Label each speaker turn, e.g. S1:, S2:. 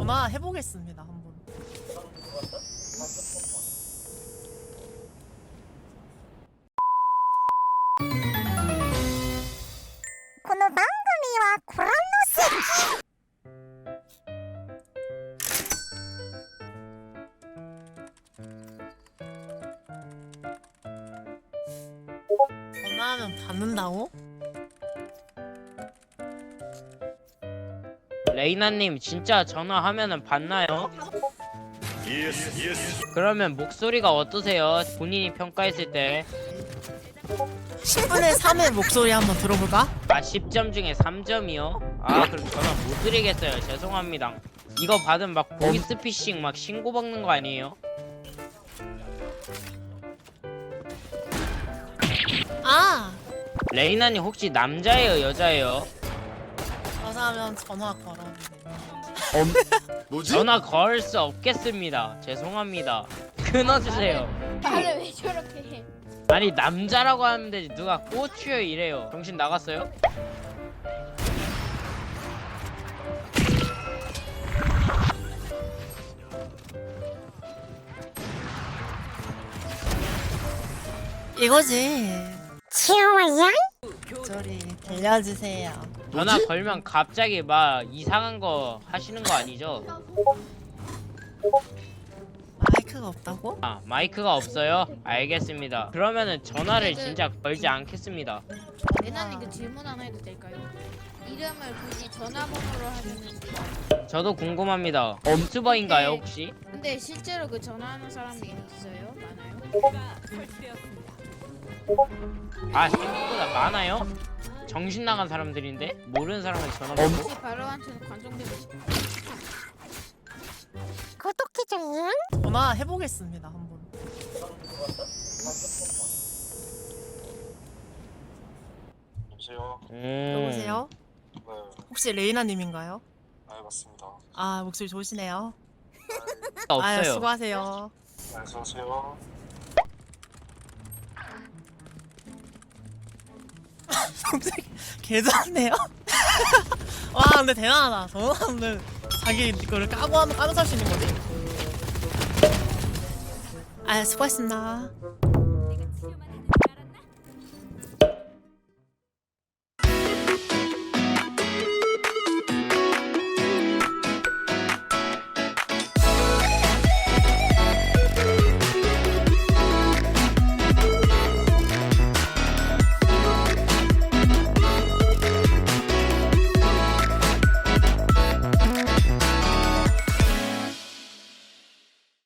S1: 전화해보겠습니다 한번.
S2: この番組はご覧の席。
S1: 전화하면 받는다고?
S3: 레이나님 진짜 전화하면은 받나요? 그러면 목소리가 어떠세요? 본인이 평가했을 때
S1: 10분의 3의 목소리 한번 들어볼까?
S3: 10점 중에 3점이요? 그럼 전화 못 드리겠어요. 죄송합니다. 이거 받으면 막 보이스피싱 막 신고받는 거 아니에요?
S1: 아!
S3: 레이나님 혹시 남자예요? 여자예요?
S1: 여자면 전화 걸어주세요.
S3: 전화 걸 수 없겠습니다. 죄송합니다. 끊어주세요.
S4: 말을 왜 저렇게 해?
S3: 아니 남자라고 하면 되지 누가 꼬추요 이래요. 정신 나갔어요?
S1: 이거지.
S2: 좋아요.
S1: 목소리 들려주세요.
S3: 전화 걸면 갑자기 막 이상한 거 하시는 거 아니죠?
S1: 마이크가 없다고?
S3: 마이크가 없어요? 알겠습니다. 그러면은 전화를 진짜 걸지 않겠습니다.
S4: 레나님 그 질문 하나 해도 될까요? 이름을 굳이 전화번호로 하면은
S3: 저도 궁금합니다. 유튜버인가요 혹시?
S4: 근데 실제로 그 전화하는 사람이 있어요? 많아요?
S3: 생각보다 많아요? 정신 나간 사람들인데? 모르는 사람한테 전화 받고?
S4: 혹시 바로한테는 관종되고 싶어요?
S2: 구독해줘요.
S1: 전화해보겠습니다 한번.
S5: 여보세요?
S1: 여보세요?
S5: 네,
S1: 혹시 레이나님인가요?
S5: 네 맞습니다.
S1: 아 목소리 좋으시네요.
S3: 없어요.
S1: 아유 수고하세요.
S5: 네, 안녕하세요.
S1: 목소리 개좋네요. 와 근데 대단하다. 전화는 자기 거를 까고 하면 까면서 할 수 있는 거지. 아 수고했습니다.